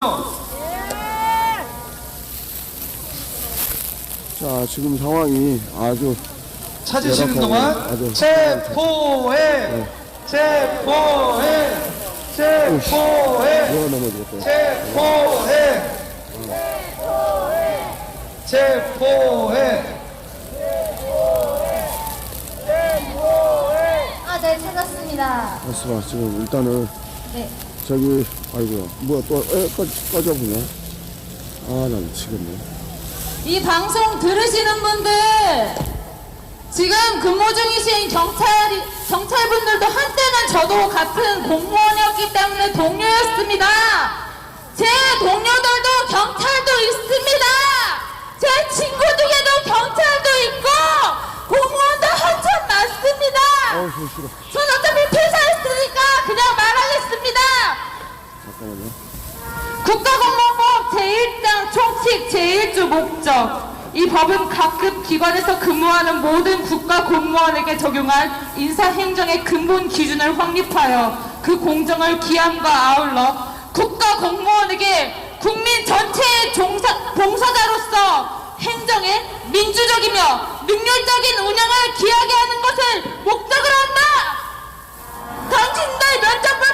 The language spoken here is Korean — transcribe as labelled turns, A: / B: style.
A: 자, 지금 상황이 아주
B: 찾으시는 동안
A: 아주
B: 체포해, 체포해, 체포해,
A: 누가 넘어지겠다.
B: 체포해, 체포해.
C: 아, 네, 찾았습니다.
A: 알았어, 지금 일단은
C: 네.
A: 저기 아이고야 뭐야 또 꺼져보냐. 아, 나 미치겠네.
D: 이 방송 들으시는 분들, 지금 근무 중이신 경찰분들도 한때는 저도 같은 공무원이었기 때문에 동료였습니다. 제 동료들도 경찰도 있습니다. 제 친구 중에도 경찰도 있고 공무원도 한참 많습니다.
A: 저 싫어.
D: 전 어차피 퇴사했으니까 그냥 말하겠습니다.
A: 잠깐만요.
D: 국가공무원법 제1장 총칙 제1조 목적. 이 법은 각급 기관에서 근무하는 모든 국가공무원에게 적용한 인사행정의 근본 기준을 확립하여 그 공정을 기함과 아울러 국가공무원에게 국민 전체의 봉사자로서 행정의 민주적이며 능률적인 운영을 기하게 하는 것을 목적으로 한다. 당신들 면접 볼